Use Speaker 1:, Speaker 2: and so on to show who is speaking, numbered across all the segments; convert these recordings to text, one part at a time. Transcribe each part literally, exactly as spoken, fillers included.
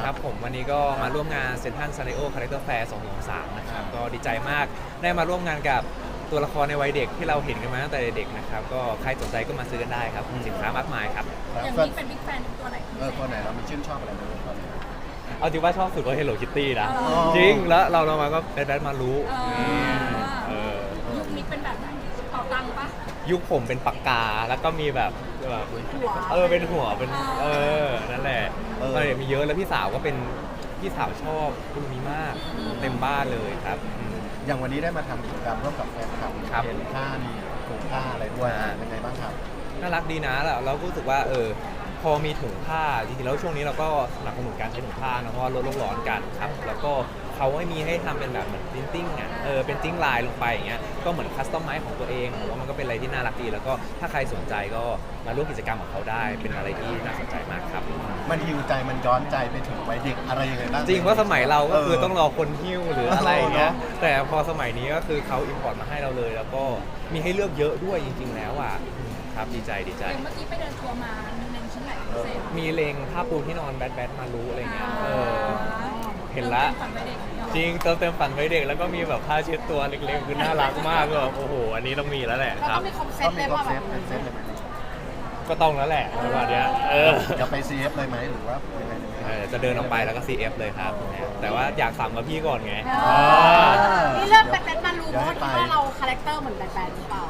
Speaker 1: ครับผมวันนี้ก็มาร่วมงานเซ็นทรัลซาริโอคาแรคเตอร์แฟร์สองพันยี่สิบสามนะครับก็ดีใจมากได้มาร่วมงานกับตัวละครในวัยเด็กที่เราเห็นกันมาตั้งแต่เด็กนะครับก็ใครสนใจก็มาซื้อกันได้ครับสินค้ามากมายครับ
Speaker 2: อย่างนี้เป็นบิ๊กแฟนตัวไหน
Speaker 3: เออตัวไหนเรามีชื่นชอบอะไรไหมตอนนี้
Speaker 1: เอาจริงว่าชอบสุดก็ Hello Kitty นะ
Speaker 2: อ๋อ
Speaker 1: จริงแล้วเราเรามาก็แบทแบทมารู้
Speaker 2: เออ
Speaker 1: เออ
Speaker 2: ยุคนี้เป็นแบบไหนเป่าตังค์ปะ
Speaker 1: ยุคผมเป็นปากกาแล้วก็มีแบบแบบ
Speaker 2: หัว
Speaker 1: เออเป็นหัวเป็นเอ
Speaker 2: เอ
Speaker 1: อนั่นแหละเออมีเยอะแล้วพี่สาวก็เป็นพี่สาวชอบคุณนี้มากเต็มบ้านเลยครับอืม
Speaker 3: อย่างวันนี้ได้มาทำกิจกรรมร่วมกับแฟนคลับ
Speaker 1: ครับ
Speaker 3: เห็นผ้ามีถุงผ้าอะไรด้วย
Speaker 1: อ่า
Speaker 3: เป็นไงบ้างครับ
Speaker 1: น่ารักดีนะแล้วเราก็รู้สึกว่าเออพอมีถุงผ้าจริงๆแล้วช่วงนี้เราก็สนับสนุนการใช้ถุงผ้านะเพราะว่าลดโลกร้อนกันครับแล้วก็เขาไม่มีให้ทำเป็นแบบเหมือนปรินติ้งอ่ะเออเป็นติ้งลายลงไปอย่างเงี้ยก็เหมือนคัสตอมไมซ์ของตัวเองผมว่ามันก็เป็นอะไรที่น่ารักดีแล้วก็ถ้าใครสนใจก็มาร่วมกิจกรรมของเขาได้เป็นอะไรที่น่าสนใจมากครับ
Speaker 3: มันฮิวใจมันย้อนใจไปถึงวัยเด็กอะไรยังไงบ้าง
Speaker 1: จริงว่าสมัยเราก็คือต้องรอคนหิ้วหรืออะไรอย่างเงี้ย
Speaker 3: เออเนอะ
Speaker 1: แต่พอสมัยนี้ก็คือเขาอิมพอร์ตมาให้เราเลย แล้วก็มีให้เลือกเยอะด้วยจริง ๆ แล้วอ่ะครับดีใจดีใจ
Speaker 2: อย่างเมื่อกี้ไปเดินทัวร์มามีเล็งชิ้นไหนพิเศษ
Speaker 1: มีเลงผ้าปูที่นอนแบทแบทมารู้อะไรเงี้ยเออ เห็นละ
Speaker 2: ฝันไปเด็กเหรอ
Speaker 1: จริงเติมเต็มฝันไว้เด็กแล้วก็มีแบบผ้าเช็ดตัวเล็กๆคือน่ารักมากก็แบบโอ้โหอันนี้ต้องมีแล้วแหละ
Speaker 2: เรา
Speaker 1: ครั
Speaker 2: ต้
Speaker 1: บ
Speaker 2: องมีคอมเซ็
Speaker 3: ก็
Speaker 2: ต
Speaker 3: มี
Speaker 2: เลย
Speaker 3: ครบ
Speaker 2: ว่าแบ
Speaker 3: เซต
Speaker 2: บ
Speaker 3: เป็นเซตเลยไหม
Speaker 1: ก็ต้องแล้วแหละประมาณเนี้ยเออ
Speaker 3: จะไป ซี เอฟ เลยไหมหรือว่ายังไง
Speaker 1: เออจะเดินออกไปแล้วก็ ซี เอฟ เลยครับแต่ว่าอยากสั่งกับพี่ก่อนไง
Speaker 2: อ๋อ
Speaker 4: นี่เริ่มแบทแบทมารู้เพราะว่าคิดว่าเราคาแรคเตอร์เหมือนแบทแบทหรือเปล่า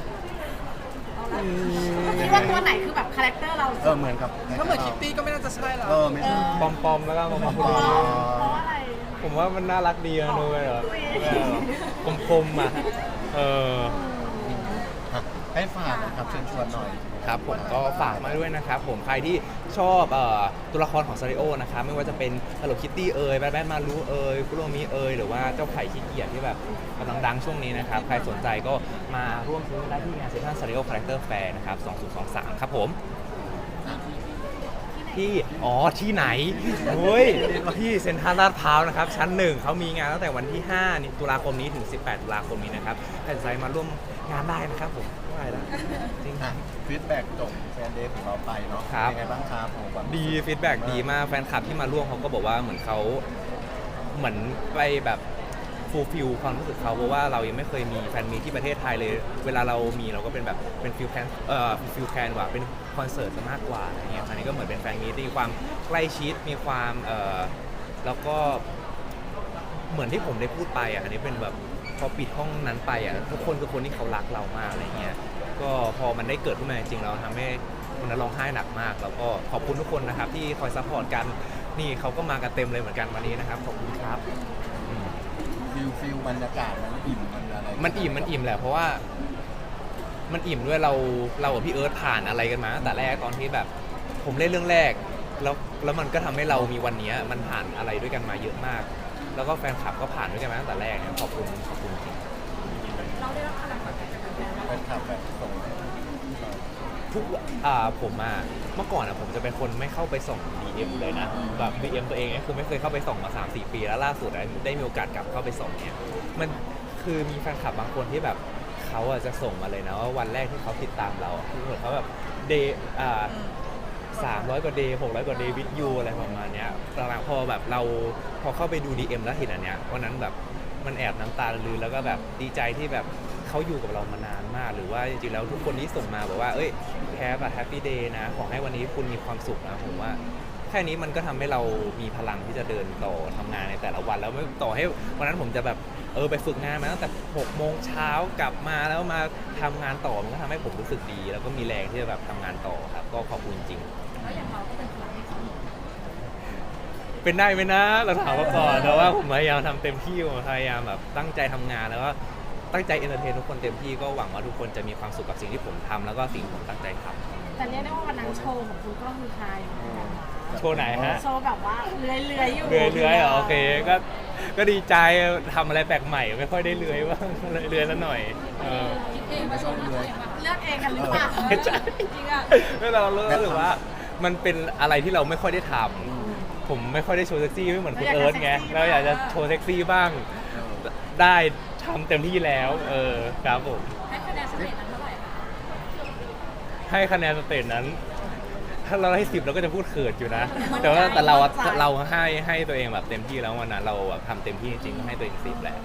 Speaker 4: คิดว่าตัวไหนคือแบบคาแรคเตอร์เรา
Speaker 3: เออเหมือนกับ
Speaker 5: ถ้าเหมือนคิตตี้ก็ไม่น่าจะใช่แล้ว
Speaker 3: เออไม่ใช่
Speaker 1: ปอมๆแล้วก็มาพูด
Speaker 3: อ๋อ
Speaker 4: เพราะอะไร
Speaker 1: ผมว่ามันน่ารักดีอะนุ้ยแบบคมๆอ่ะเออ
Speaker 3: อ่ะให้ฝากนะครับเชิญชวนหน่อย
Speaker 1: ครับผมก็ฝากมาด้วยนะครับผมใครที่ชอบเอ่อตัวละครของซาริโอนะครับไม่ว่าจะเป็น Hello Kitty เอ่ยแบทแบทมารู้เอ่ยคุโรมิเอ่ยหรือว่าเจ้าไข่ขี้เกียจที่แบบกำลังดังช่วงนี้นะครับใครสนใจก็มาร่วมซื้อได้ที่งานเซ็นทรัลซาริโอคาแรคเตอร์แฟร์นะครับสองพันยี่สิบสามครับผมที่อ๋อที่ไหนเฮ้ยที่เซ็นทรัลลาดพร้าวนะครับชั้นหนึ่งเขามีงานตั้งแต่วันที่ห้าตุลาคมนี้ถึงสิบแปดตุลาคมนี้นะครับใครสนใจมาร่วมงานได้นะครับผมว่าอะไรนะจริง
Speaker 3: อ่ะฟีดแบ็กจบแฟนเดย์ของเราไปเนาะ
Speaker 1: ครับ
Speaker 3: เป็นไงบ้างครับผมความ
Speaker 1: ดีฟีดแบ็กดีมากแฟนคลับที่มาร่วมเขาก็บอกว่าเหมือนเขาเหมือนไปแบบฟูลฟิลความรู้สึกเขาเพราะว่าเรายังไม่เคยมีแฟนมีตที่ประเทศไทยเลย เวลาเรามีเราก็เป็นแบบเป็นฟิลแคนเอ่อฟิลแคนกว่าเป็นคอนเสิร์ตซะมากกว่าอะไรเงี้ยครั้งนี้ก็เหมือนเป็นแฟนมีตที่มีความใกล้ชิดมีความเอ่อแล้วก็เหมือนที่ผมได้พูดไปอ่ะอันนี้เป็นแบบพอปิดห้องนั้นไปอ่ะทุกคนคือคนที่เขารักเรามากอะไรเงี้ยก็พอมันได้เกิดขึ้นมาจริงๆเราทำให้คนนั้นร้องไห้หนักมาก แล้วก็ขอบคุณทุกคนนะครับที่คอยซัพพอร์ตกันนี่เขาก็มากันเต็มเลยเหมือนกันวันนี้นะครับขอบคุณครับอืม
Speaker 3: ฟิลฟิลบรรยากาศมันอิ่มมันอะไร
Speaker 1: มันอิ่มมันอิ่มแหละเพราะว่ามันอิ่มด้วยเราเรากับพี่เอิร์ธผ่านอะไรกันมาตั้งแต่แรกตอนที่แบบผมเล่นเรื่องแรกแล้วแล้วมันก็ทำให้เรามีวันนี้มันผ่านอะไรด้วยกันมาเยอะมาก แล้วก็แฟนคลับก็ผ่านด้วยกันมาตั้งแต่แรกเนี่ยขอบคุณขอบคุณจริง
Speaker 2: เราได้รับพลังจากการแฟนๆ
Speaker 3: แฟนคลับแบบส่ง
Speaker 1: ทุกอ่าผมอ่ะเมื่อก่อนอ่ะผมจะเป็นคนไม่เข้าไปส่อง ดี เอ็ม เลยนะแบบ ดี เอ็ม ตัวเองเนี่ยคือไม่เคยเข้าไปส่องมา สามสี่ ปีแล้วล่าสุดได้ได้มีโอกาสกลับเข้าไปส่องเนี่ยมันคือมีแฟนคลับบางคนที่แบบเขาอ่ะจะส่งมาเลยนะว่าวันแรกที่เขาติดตามเราอะคือเหมือนเขาแบบเดย์อ่าสามร้อยกว่าเดย์หกร้อยกว่าเดย์วิดยูอะไรประมาณเนี้ยหลังๆพอแบบเราพอเข้าไปดู ดี เอ็ม แล้วเห็นอันเนี้ยวันนั้นแบบมันแอบน้ำตาลือแล้วก็แบบดีใจที่แบบเขาอยู่กับเรามานานมากหรือว่าจริงๆแล้วทุกคนที่ส่งมาบอกว่าเอ้ยแฮปอะแฮปปี้เดย์นะขอให้วันนี้คุณมีความสุขนะผมว่าแค่นี้มันก็ทำให้เรามีพลังที่จะเดินต่อทำงานในแต่ละวันแล้วไม่ต่อให้วันนั้นผมจะแบบเออไปฝึกงานมาตั้งแต่หกโมงเช้ากลับมาแล้วมาทำงานต่อมันก็ทำให้ผมรู้สึกดี แล้วก็มีแรงที่จะแบบทำงานต่อครับก็ขอบคุณจริง
Speaker 2: แล้วอย่างเราก็เป็นพลังให้เขา
Speaker 1: เป็นได้ไหมนะเราถามมาก่อนแต่ว่าผมพยายามทำเต็มที่ผมพยายามแบบตั้งใจทำงานแล้วก็ตั้งใจเอนเตอร์เทนทุกคนเต็มที่ก็หวังว่าทุกคนจะมีความสุขกับสิ่งที่ผมทำแล้วก็สิ่งที่ผมตั้งใจทำ
Speaker 4: แต่เรียกได้ว่าวันนั้นโชว์ของคุณก็คือไฮเหมือนกันนะ
Speaker 1: โชว์ไหนฮะ
Speaker 4: โชว์แบบว่าเลื้อยๆอยู่
Speaker 1: เลื้อยๆเหรอโอเคก็ก็ดีใจทำอะไรแปลกใหม่ไม่ค่อยได้เลื้อยบ้างเลื้อยๆซะหน่อยเออ
Speaker 2: คิดเองมาชมตัวเองแบบ
Speaker 4: เลือกเองกันหรือเปล่า
Speaker 1: ใช่
Speaker 2: จริงอ่ะ
Speaker 1: แล้วเราเลิกหรือว่ามันเป็นอะไรที่เราไม่ค่อยได้ทำผมไม่ค่อยได้โชว์เซ็กซี่ไม่เหมือนคุณเอิร์ธไงเราอยากจะโชว์เซ็กซี่บ้างได้ทำเต็มที่แล้วเออครับผม
Speaker 2: ให้คะแนนสเตทนั้นเท่าไหร่คะ
Speaker 1: ให้คะแนนสเตจนั้น ถ้าถ้าเราให้สิบเราก็จะพูดเขินอยู่นะ แต่ว่าแต่เราอะเราให้ให้ตัวเองแบบเต็มที่แล้ววันนั้นเราแบบทำเต็มที่จริงๆก็ให้ตัวเองสิบแหละ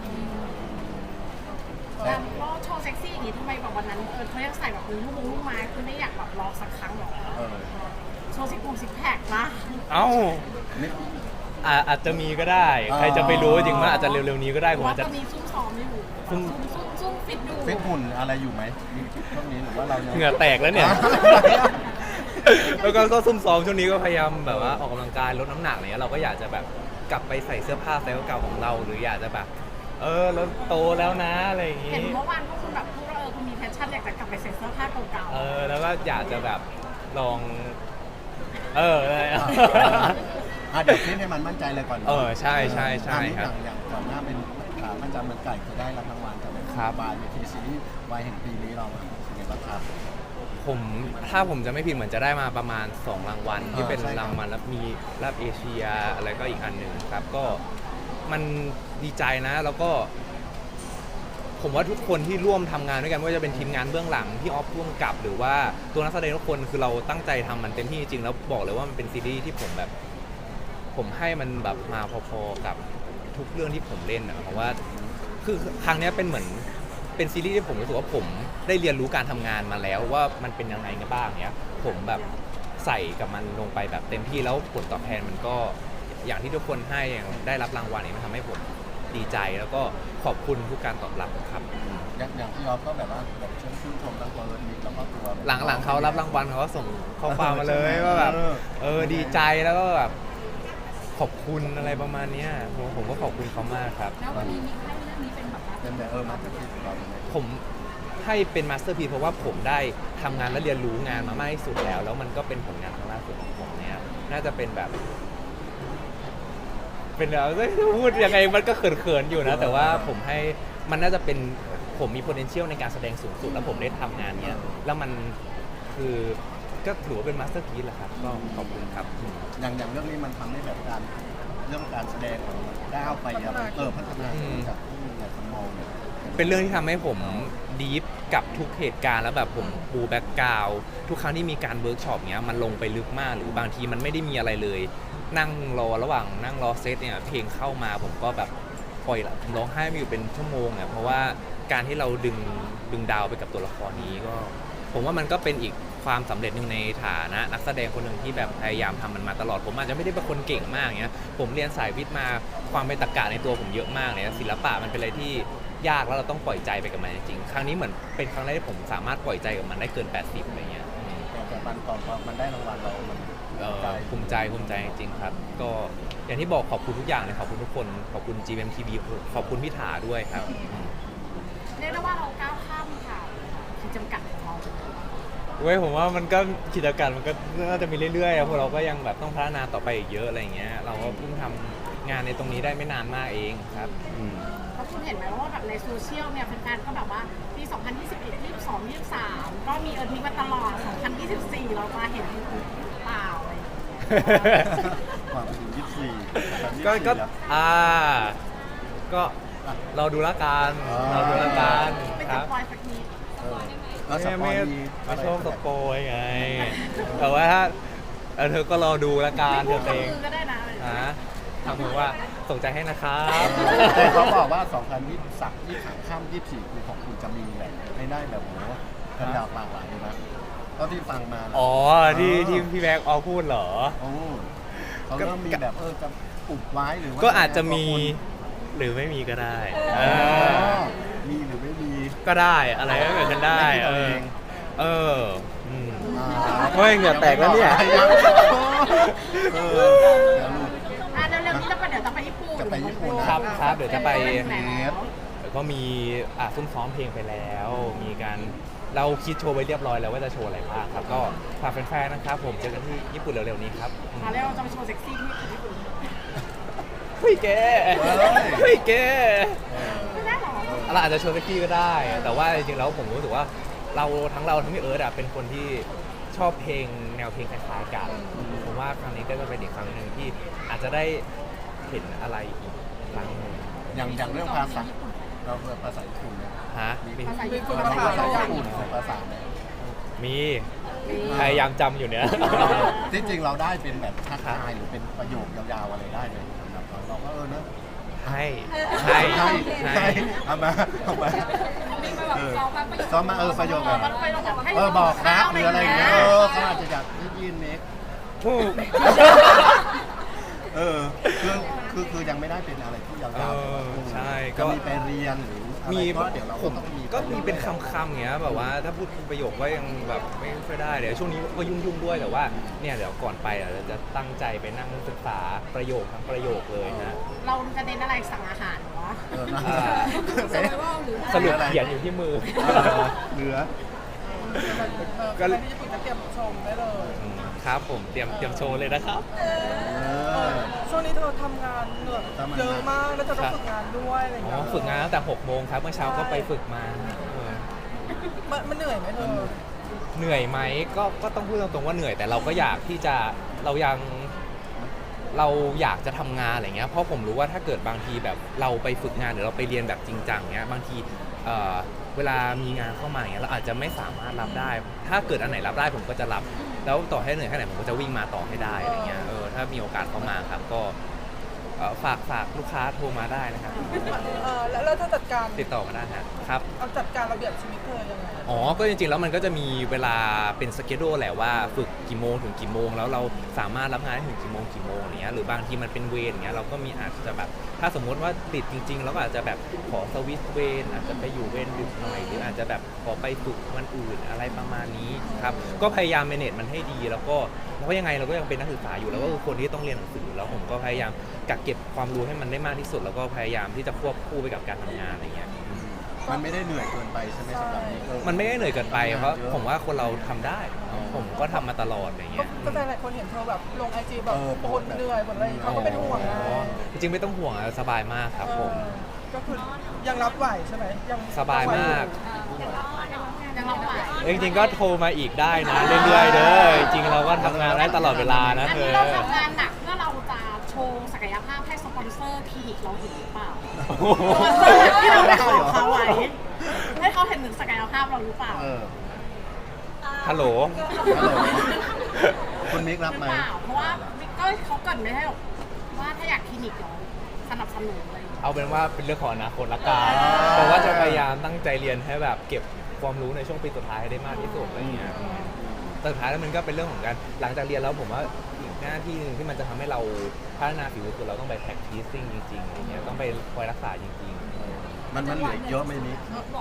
Speaker 4: แล้วก็โชว์เซ็กซี่อย่างนี้ทำไมแบบวันนั้นเออเขายังใส่แบบลูกมุ้งลูกไม้คือไม่อยากแบบลองสักครั้งหรอ
Speaker 3: เออ
Speaker 4: โชว์ซิกโพงซิกแพคนะ
Speaker 1: เอ้า
Speaker 3: นี่
Speaker 1: อ่ะอาจจะมีก็ได้
Speaker 3: อ๋อ
Speaker 1: ใครจะไปรู้จริงว่าอาจจะเร็วๆนี้ก็ได้ผม
Speaker 4: ว่า
Speaker 1: อาจจะ
Speaker 4: ตอนนี้ซุ่มซ้อมอยู่
Speaker 1: ซุ่
Speaker 4: ซุ่
Speaker 1: ม
Speaker 4: มซุ่มซุ่มฟิตดู
Speaker 3: ฟิตหุ่นอะไรอยู่ไหมมีช่วงนี้หรือว่าเรายัง
Speaker 1: เหงื่อแตกแล้วเนี่ย แล้วก็ก็ซุ่มซ้อมช่วงนี้ก็พยายามแบบว่าออกกำลังกายลดน้ำหนักอะไรเงี้ยเราก็อยากจะแบบกลับไปใส่เสื้อผ้าไซส์เก่าของเรา หรืออยากจะแบบ เออเราโตแล้วนะอะไรอย่าง
Speaker 4: เห็
Speaker 1: งี้
Speaker 4: นเมื่อวานพวกคุณแบบพูดว่าเออคุณมีแพชชั่นอยากจะกลับไปใส่เสื้อผ้าเก่า
Speaker 1: เออแล้วก็อยากจะแบบลอง เอออะไรอะ
Speaker 3: อ่ะเดี๋ยวฟิตให้มันมั่นใจเลยก่อน
Speaker 1: เออใช่ใช่ใช่
Speaker 3: อ่ะนี่
Speaker 1: ครับ
Speaker 3: อย่างอย่างก่อนหน้าเป็นขาประจำเมืองไก่คือได้รับรางวัลจาก
Speaker 1: ครับ
Speaker 3: บายเวทีซีรีส์วายแห่งปีนี้เราอ่ะเป็นไงบ้างครับ
Speaker 1: ผมถ้าผมจะไม่ผิดเหมือนจะได้มาประมาณสองรางวัลที่เป็น
Speaker 3: ใช่ครับ
Speaker 1: รางวัลแล้วมีรับเอเชียอะไรก็อีกอันหนึ่งครับ ก็มันดีใจนะแล้วก็ ผมว่าทุกคนที่ร่วมทำงานด้วยกันไม่ว่าจะเป็นทีมงานเบื้องหลังที่ออฟร่วมกับ หรือว่าตัวนักแสดงทุกคนคือเราตั้งใจทำมันเต็มที่จริงๆแล้วบอกเลยว่ามันเป็นซีรีส์ที่ผมแบบ ผมให้มันแบบมาพอๆกับทุกเรื่องที่ผมเล่นนะเพราะว่าคือครั้งเนี้ยเป็นเหมือนเป็นซีรีส์ที่ผมรู้สึกว่าผมได้เรียนรู้การทำงานมาแล้วว่ามันเป็นยังไงกันบ้างเนี้ยผมแบบใส่กับมันลงไปแบบเต็มที่แล้วผลตอบแทนมันก็อย่างที่ทุกคนให้อย่างได้รับรางวัลเนี่ยมันทำให้ผมดีใจแล้วก็ขอบคุณทุกการตอบรับครับ
Speaker 3: อย่างอย่างที่ออฟก็แบบว่าแบบชื่นชื่นชมทั้งตัวมิกแล้วก็ตัว
Speaker 1: หลังๆเขารับรางวัลเขาก็ส่งข้อความมาเลยว่าแบบเออดีใจแล้วก็แบบขอบคุณอะไรประมาณเนี้ยผมผมก็ขอบคุณเขามากครับ
Speaker 2: แล้ววันนี้มีให้เรื่องนี้เป็นแบบว่า
Speaker 3: เป็นแบบเออมาจากที่เราเลย
Speaker 1: ผมให้เป็นมาสเตอร์พีเพราะว่าผมได้ทำงานและเรียนรู้งานมามากที่สุดแล้ว แล้วมันก็เป็นผลงานครั้งล่าสุดของผมเนี่ยน่าจะเป็นแบบ เป็นแบบพูดยังไงมันก็เขินๆอยู่นะ แต่ว่าผมให้มันน่าจะเป็นผมมี potential ในการแสดงสูงสุด แล้วผมได้ทำงานเนี้ยแล้วมันคือก็ถือว่าเป็นมาสเตอร์พีซแหละครับก็ขอบคุณครับ
Speaker 3: อย่างอย่างเรื่องนี้มันทำให้แบบการเรื่องการแสดงของเราก้าวไปอะเออพัฒนาขึ้นจากที่หลายคนมองเนี่ย
Speaker 1: เป็นเรื่องที่ทำให้ผมดีฟกับทุกเหตุการณ์แล้วแบบผมปูแบ็กกราวด์ทุกครั้งที่มีการเวิร์กช็อปเนี้ยมันลงไปลึกมากหรือบางทีมันไม่ได้มีอะไรเลย นั่งรอระหว่างนั่งรอเซตเนี่ยเพลงเข้ามาผมก็แบบปล่อยละผมร้องไห้ไม่อยู่เป็นชั่วโมงอ่ะเพราะว่าการที่เราดึงดึงดาวไปกับตัวละครนี้ก็ ผมว่ามันก็เป็นอีกความสำเร็จหนึ่งในฐานะนักแสดงคนหนึ่งที่แบบพยายามทำมันมาตลอดผมอาจจะไม่ได้เป็นคนเก่งมากเงี้ยผมเรียนสายวิทย์มาความเป็นตรรกะในตัวผมเยอะมากเลยนะศิลปะมันเป็นอะไรที่ยากแล้วเราต้องปล่อยใจไปกับมันจริงๆครั้งนี้เหมือนเป็นครั้งแรกที่ผมสามารถปล่อยใจกับมันได้เกินแปดสิบอะไรเงี้ย
Speaker 3: แต่แต่มันตอนพอมันได้รางวัลเรามัน
Speaker 1: เอ่อภูมิใจภูมิใจจริงๆครับ ก็อย่างที่บอกขอบคุณทุกอย่างเลยขอบคุณทุกคนขอบคุณ จี เอ็ม ที วี ขอบคุณพี่ถาด้วยครับอืม
Speaker 4: เรียกได้ว่าเราก้าวข้ามค่ะขีดจำกัดของเรา
Speaker 1: เว้ยผมว่ามันก็กิจการมันก็น่าจะมีเรื่อยๆอะพวกเราก็ยังแบบต้องพัฒนาต่อไปอีกเยอะอะไรอย่างเงี้ยเราก็เพิ่งทำงานในตรงนี้ได้ไม่นานมากเองครับอืม
Speaker 4: เพราะคุณเห็นไหมว่าแบบในโซเชียลเนี่ยแฟนๆก็แบบว่าปี สองพันยี่สิบเอ็ด ยี่สิบสอง ยี่สิบสาม ก็มีเอิร์ธมิกมาตลอด สองพันยี่สิบสี่ เราจะเห็นหรือเปล่าอะไรอย่างเงี้ย
Speaker 3: ความถึงยี่สิบสี่
Speaker 1: ก็ก็อ่าก็เราดูละกันเราดูละกัน
Speaker 4: ไม่
Speaker 1: ค
Speaker 4: จะ
Speaker 1: รับ
Speaker 4: ปล่อยสักนิด
Speaker 3: แล้วส
Speaker 1: ไม่
Speaker 3: ปอย
Speaker 1: ไม่
Speaker 3: มี
Speaker 1: ไม่ชอบสปอยไง แต่ว่าถ้าเออเธอก็รอดูละกัน
Speaker 4: ไม่
Speaker 1: เธ
Speaker 4: พูด
Speaker 1: อ
Speaker 4: กับ
Speaker 1: เอง
Speaker 4: มือก็ได้นะ
Speaker 1: ฮะทำเหมือนว่าส่งใจให้นะครับ
Speaker 3: แต่เขาบอกว่า สองพันยี่สิบสาม ยี่สิบสามข้ามยี่สิบสี่คือของคุณจะมีแบบไม่ได้แบบโหกันดาวหลากหลายเลยนะก็ที่ฟังมานะ
Speaker 1: อ๋อที่ที่พี่แบ็กออพูดเหรอ
Speaker 3: โอ้เขาเริ่มมีแบบเออจะอุบไว้หรือว่า
Speaker 1: ก็อาจจะมีหรือไม่มีก็ได้เอ
Speaker 3: อ๋อ
Speaker 1: อ
Speaker 3: มีหรือไม่มี
Speaker 1: ก็ได้อะไรก็เกิดขึ้นได้
Speaker 3: ไม่คิด
Speaker 1: เอ
Speaker 3: เอา
Speaker 1: อ
Speaker 3: เอง
Speaker 1: เอออืม
Speaker 3: อ่า
Speaker 1: เฮ้ยเหงื่อแตกแล้วเนี่ย
Speaker 3: เออเดี๋ยวลูก
Speaker 4: อ่ะเร็วๆนี้เราไปเดี๋ยวจะไปญี่ปุ่น
Speaker 3: จะไปญี่ปุ่นนะครับ
Speaker 1: ครับเดี๋ยวจะไป
Speaker 4: แหม
Speaker 1: แล้วก็มีอ่ะซุ่มซ้อมเพลงไปแล้ว มีการเราคิดโชว์ไว้เรียบร้อยแล้วว่าจะโชว์อะไรบ้างครับ ก็ฝากแฟนๆนะครับ ผมเจอกันที่ญี่ปุ่นเร็วๆนี้ครับอืม
Speaker 4: อ่ะแล้วเราจะไปโชว์เซ็กซี่ที่ญี่ปุ่น
Speaker 1: เฮ้ยแกเฮ้ยแก
Speaker 4: ไม่ได้หรอ
Speaker 1: เราอาจจะโชว์เซ็กซี่ก็ได้ แต่ว่าจริงๆแล้วผมรู้สึกว่าเราทั้งเราทั้งพี่เอิร์ธอะเป็นคนที่ชอบเพลงแนวเพลงคล้ายๆกันผมว่าครั้งนี้ก็จะเป็นอีกครั้งหนึ่งที่อาจจะได้เห็นอะไรอีกครั้งหนึ่ง
Speaker 3: อย่างอย่างเรื่องภาษาเราเรียนภาษาญี่ปุ่นเนี่ย
Speaker 1: ฮะมี
Speaker 4: ภาษาญี่ปุ่น
Speaker 3: เราภาษาญี่ปุ่นภาษาเนี่ย
Speaker 1: มีพยายามจำอยู่เนี่ย
Speaker 3: ที่จริงเราได้เป็นแบบทักทายหรือเป็นประโยคยาวๆอะไรได้เลยสำหรับเราเราก็เออนะ
Speaker 1: ให้ให้
Speaker 3: ใช่
Speaker 1: ให้
Speaker 3: ใช่เอามาเอามา
Speaker 2: มีมาแบบ
Speaker 3: เออ
Speaker 2: ซ้อมมาประโยค
Speaker 3: ซ้อมมาเออประโยคแบบ
Speaker 4: มันไปเราแบบให้
Speaker 3: เออบอกรักหรืออะไรอย่างเงี้ยเออเขาอาจจะอยากได้ยินเน็ก
Speaker 1: ถูก
Speaker 3: เออคือคือคือยังไม่ได้เป็นอะไรที่ยาว
Speaker 1: เออ
Speaker 3: ๆ
Speaker 1: ใช่ก็
Speaker 3: ก็มีไปเรียนหรืออะไร
Speaker 1: มี
Speaker 3: ก็เดี๋ยวเรา
Speaker 1: ผม
Speaker 3: ต้องมี
Speaker 1: ก็มีเป็นคำๆอย่างเงี้ยแบบว่าถ้าพูดเป็นประโยคก็ยังแบบไม่ค่อยได้เดี๋ยวช่วงนี้ก็ยุ่งๆด้วยแต่ว่าเนี่ยเดี๋ยวก่อนไปอ่ะเราจะตั้งใจไปนั่งศึกษาประโยคทั้งประโยคเลยนะ
Speaker 4: เราจะเน้นอะไรสั่งอาหารเหรอวะ
Speaker 3: เออนะ
Speaker 1: อ่า
Speaker 2: สมัยว่าหรือ
Speaker 1: สรุปเขียนอยู่ที่มือ
Speaker 3: เออเหลือ
Speaker 5: ก็เลยที่ญี่ปุ่นจะเตรียมชมได้เลย
Speaker 1: อืมครับผมเตรียมเตรียมโชว์เลยนะครับ
Speaker 3: เออ
Speaker 5: ช่วงนี้เธอทำงานเหนื่อย
Speaker 3: ทำงาน
Speaker 5: เยอะมากแล้วเธอต้องฝึกงานด้วยอะไรอย่าง
Speaker 1: อ๋
Speaker 5: เงี้
Speaker 1: อย ฝึกงานตั้งแต่หกโมงครับเมื่อเช้าก็ไปฝึกมาเออ
Speaker 5: มันมันเหนื่อยไหมเธอ
Speaker 1: เหนื่อยไหมก็ก็ต้องพูดตรงๆว่าเหนื่อยแต่เราก็อยากที่จะเรายังเราอยากจะทำงานอะไรเงี้ยเพราะผมรู้ว่าถ้าเกิดบางทีแบบเราไปฝึกงานหรือเราไปเรียนแบบจริงจังเงี้ยบางทีเอ่อเวลามีงานเข้ามาเงี้ยเราอาจจะไม่สามารถรับได้ ถ้าเกิดอันไหนรับได้ผมก็จะรับแล้วต่อให้เหนื่อยแค่ไหนผมก็จะวิ่งมาต่อให้ได้อะไรเงี้ยเออถ้ามีโอกาสเข้ามาครับก็เอ่อฝากฝากลูกค้าโทรมาได้นะครับ
Speaker 5: เออแล้วแล้วเธอจัดการ
Speaker 1: ติดต่อมาได้นะครับ
Speaker 5: เอาจัดการระเบียบชีวิตเธอยังไง
Speaker 1: อ๋อ ก็จริงๆ แล้วมันก็จะมีเวลาเป็นสเกดูแหละว่าฝึกกี่โมงถึงกี่โมงแล้วเราสามารถรับงานได้ถึงกี่โมงกี่โมงอย่างเงี้ยหรือบางทีมันเป็นเวรอย่างเงี้ยเราก็มีอาจจะแบบถ้าสมมุติว่าติดจริงๆเราก็อาจจะแบบขอสวิตช์เวรอาจจะไปอยู่เวรดึกหน่อยหรืออาจจะแบบขอไปฝึกวันอื่นอะไรประมาณนี้ครับก็พยายาม manage มันให้ดีแล้วก็เพราะยังไงเราก็ยังเป็นนักศึกษาอยู่แล้วก็คือคนที่ต้องเรียนหนังสือแล้วผมก็พยายามกักเก็บความรู้ให้มันได้มากที่สุด แล้วก็พยายามที่จะควบคู่ไปกับการทำงานอะไรเงี้ย
Speaker 3: มันไม่ได้เหนื่อยเกินไปใช่ไหมสำหรับนี้เออ
Speaker 1: มันไม่ได้เหนื่อยเกินไปเพราะผมว่าคนเราทำได้
Speaker 3: อ๋อ
Speaker 1: ผมก็ทำมาตลอดอะไร
Speaker 5: ก็
Speaker 1: เงี้ย
Speaker 5: ก็แต่หลายคนเห็นเธอแบบลงไอจีแบบ
Speaker 3: เออ
Speaker 5: บ่นเหนื่อยบ่นอะไรเขาก็เป็นห่วงไง
Speaker 1: อ๋อจริงๆไม่ต้องห่วงอะสบายมากครับผม
Speaker 5: เออก็คือยังรับไหวใช่ไหมยัง
Speaker 1: สบายมาก
Speaker 4: ยังเราไหว
Speaker 1: จริงๆก็โทรมาอีกได้นะเรื่อยๆเด้อจริงๆเราก็ทำงานได้ตลอดเวลานะ
Speaker 4: อัน
Speaker 1: เธ
Speaker 4: นี้
Speaker 1: อ
Speaker 4: เราทำงานหนักเพื่อเราจะโชว์ศักยภาพให้สปอนเซอร์คลินิกเราเห็นหรือเปล่า
Speaker 1: โอ้โห
Speaker 4: สปอนเซอร์ที่เราไปขอเขาไว้ให้เขาเห็นถึงศักยภาพเราหรือเปล่า
Speaker 3: เออ
Speaker 1: ฮัลโหล
Speaker 3: ฮัลโหลคุณมิกรับ
Speaker 4: ห
Speaker 3: ไหม
Speaker 4: รือเปล่าเพราะว่าก็เขาเกรินไม่ให้หรอกว่าถ้าอยากคลินิกเราสนับสนุนอะไรอย่างเงี้ย
Speaker 1: เอาเป็นว่าเป็นเรื่องของอนาคตละกันแต่ว่าจะพยายามตั้งใจเรียนให้แบบเก็บความรู้ในช่วงปีสุดท้ายให้ได้มากที่สุดอะไรเงี้ยแต่สุดท้ายแล้วมันก็เป็นเรื่องของการหลังจากเรียนแล้วผมว่าอีกหน้าที่หนึงที่มันจะทำให้เราพัฒนาฝีมือคือเราต้องไป practicing จริงๆอะไรเงี้ยต้องไปคอยรักษาจริงๆ
Speaker 3: มันมันเหลือเยอะไหมมิก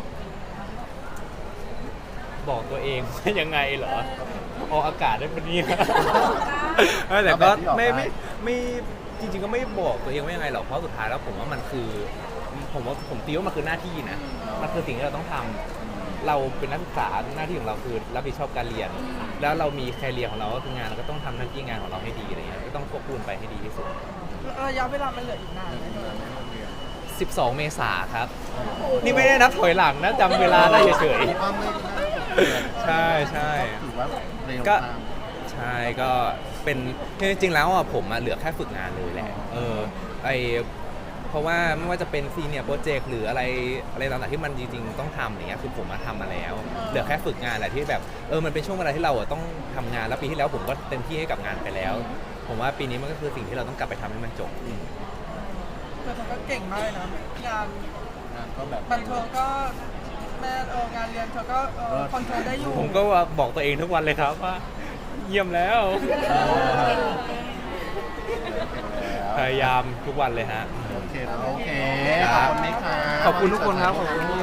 Speaker 1: บอกตัวเองว่ายังไงเหรอออกอากาศได้ปะเนี่ยเออแต่ก็ไม่ไม่ไม่จริงๆก็ไม่บอกตัวเองว่ายังไงหรอกเพราะสุดท้ายแล้วผมว่ามันคือผมว่าผมตีว่ามันคือหน้าที่นะมันคือสิ่งที่เราต้องทำเราเป็นนักศึกษาหน้าที่ของเราคือรับผิดชอบการเรียน แล้วเรามีแคเรียร์ของเราก็คืองานเราก็ต้องทำหน้าที่งานของเราให้ดีอะไรเงี้ยก็ต้องควบคู่ไปให้ดีที่สุด
Speaker 5: ระยะเวลามันเหลืออีกนานไหมเธอ
Speaker 1: สิบสองเมษาครับ นี่ไม่ได้นับถอยหลังนะจำเวลาได้เฉย
Speaker 3: ว่าไม่น่าจะเปลี่ยน
Speaker 1: ใช่ใช่
Speaker 3: ก็ถือว่าเร็ว
Speaker 1: ก็
Speaker 3: ตาม
Speaker 1: ใช่ก็เป็นจริงๆแล้วอ่ะผมอ่ะเหลือแค่ฝึกงานเลยแหละเออไอเพราะว่าไม่ว่าจะเป็นซีเนียร์โปรเจกต์หรืออะไรอะไรต่างๆที่มันจริงๆต้องทำอย่างเงี้ยคือผมมาทำมาแล้ว เหลือแค่ฝึกงานแหละที่แบบเออมันเป็นช่วงเวลาที่เราอ่ะต้องทำงานแล้วปีที่แล้วผมก็เต็มที่ให้กับงานไปแล้ว ผมว่าปีนี้มันก็คือสิ่งที่เราต้องกลับไปทำให้มันจบ
Speaker 5: แต่เธอก็เก่งมากเลยนะงาน
Speaker 3: งานก็แบบ
Speaker 5: บันเทิงก็แม่เอองานเรียนเธอก็เออคอนโทรลได้อยู่
Speaker 1: ผมก็บอกตัวเองทุกวันเลยครับว่าเยี่ยมแล้ว พยายามทุกวันเลยฮะ
Speaker 3: โอเคโอเค ขอบคุณมิกค่ะ
Speaker 1: ขอบคุณทุกคนครับขอบคุณ